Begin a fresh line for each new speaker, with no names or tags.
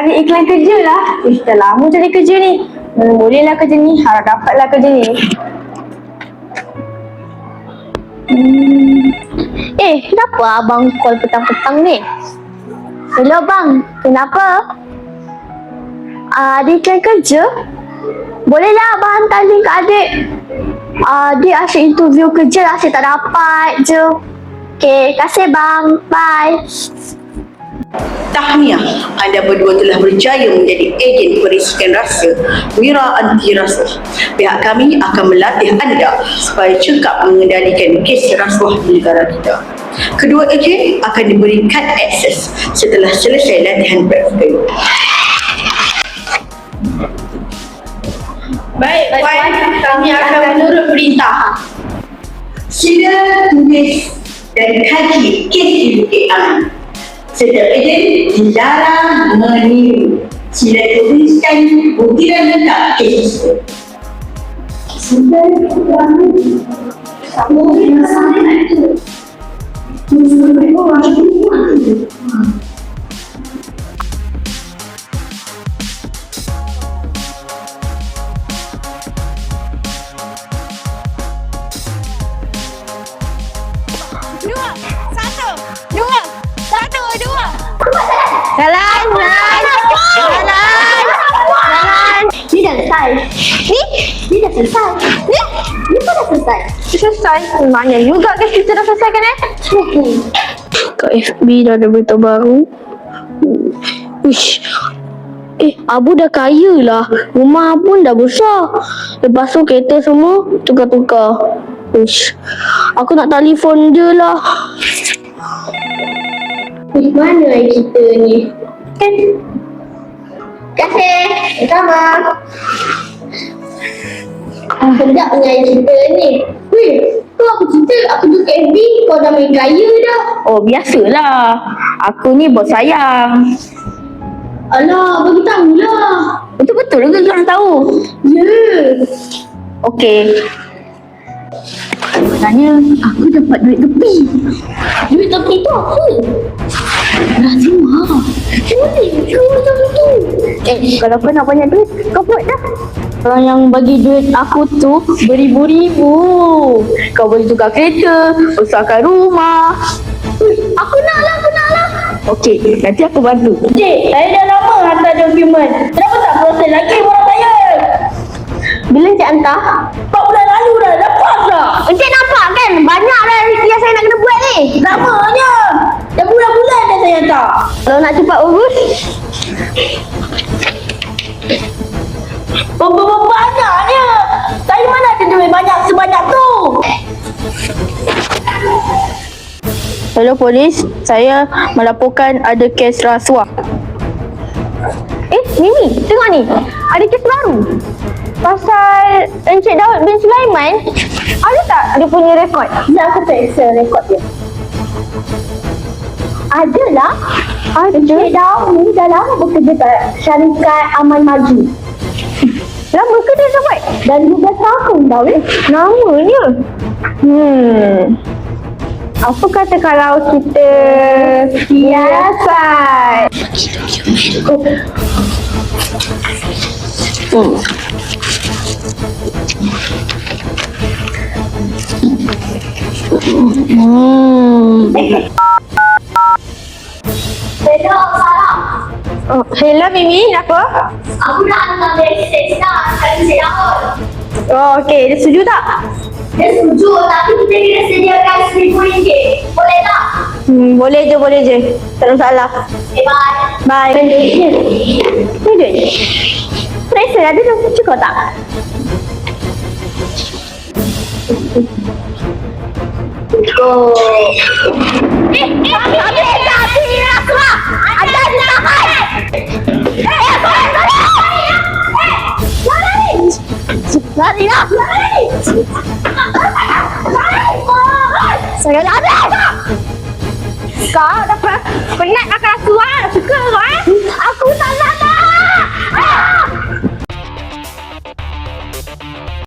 cari iklan kerja lah. Dah lama cari kerja ni. Bolehlah kerja ni. Harap dapatlah kerja ni.
Kenapa abang call petang-petang ni? Hello bang, kenapa? Ada iklan kerja? Bolehlah abang hantar link ke adik. Dia asyik interview kerja, asyik tak dapat je. Okay, kasih bang. Bye.
Tahniah, anda berdua telah berjaya menjadi ejen perisikan rasa Wira Anti Rasuah. Pihak kami akan melatih anda supaya cekap mengendalikan kes rasuah di negara kita. Kedua ejen akan diberi kad akses setelah selesai latihan praktikal. Baik, Puan, kami akan menurut perintah. Sila tulis dan kaji kes di Bukit Aman. Setiap ejen dilarang meniru. Sila tuliskan buktian lengkap kes tersebut.
Jalan. Ni dah selesai. Ni dah selesai. Ni pun dah selesai.
Selesai. Banyak juga guys kita dah selesaikan Kat FB dah ada berita baru. Uish. Abu dah kaya lah. Rumah pun dah besar. Lepas tu kereta semua tukar-tukar. Uish. Aku nak telefon dia lah.
Mana kita ni? Kasih. Sama. Sedapnya kita ni. Tu aku cerita aku tu kat FB kau dah main kaya dah.
Oh biasalah. Aku ni bos sayang.
Alah, bagi tahulah.
Betul-betul ke korang tahu?
Ya.
Okey. Sebenarnya aku dapat duit tepi.
Duit tepi tu apa?
Rahimah.
Boleh ke macam tu?
Kalau kau nak banyak duit, kau buat dah. Orang yang bagi duit aku tu beribu-ribu. Kau boleh tukar kereta, besarkan rumah.
Aku nak lah.
Okey, nanti aku bantu.
Cik, saya dah lama hantar dokumen. Kenapa tak proses lagi orang saya? Bila Encik hantar? 4 bulan lalu dah, lepas dah. Encik nampak kan? Banyak dah yang saya nak kena buat ni. Lamanya. Dah bulan-bulan dah saya hantar. Kalau nak cepat urus. Banyaknya. Saya mana ada duit banyak sebanyak tu?
Hello polis, saya melaporkan ada kes rasuah.
Mimi, tengok ni. Ada kes baru. Pasal Encik Daud bin Sulaiman. Ada tak dia punya rekod? Sekejap aku periksa rekod dia. Adalah. Encik Daud ni dah lama bekerja kat syarikat Aman Maju. Lama ke dia dah buat? Dah 15 tahun dah
Namanya? Apa kata kalau kita hiasan?
Hello, salam.
Hello Mimi, apa?
Aku nak hantar mesej dah kat Encik Daud.
Okey, dia setuju tak?
Dia setuju tapi kita kena sediakan RM1,000. Boleh tak?
Boleh je. Tak ada masalah.
Okay, bye.
Bye.
Duitnya.
Ni duit. Periksa ada dah cukup tak? Cukup.
Lari lah! Saya dah habis!
Kau dah penat makan rasuah. Suka kau
Aku tak nak!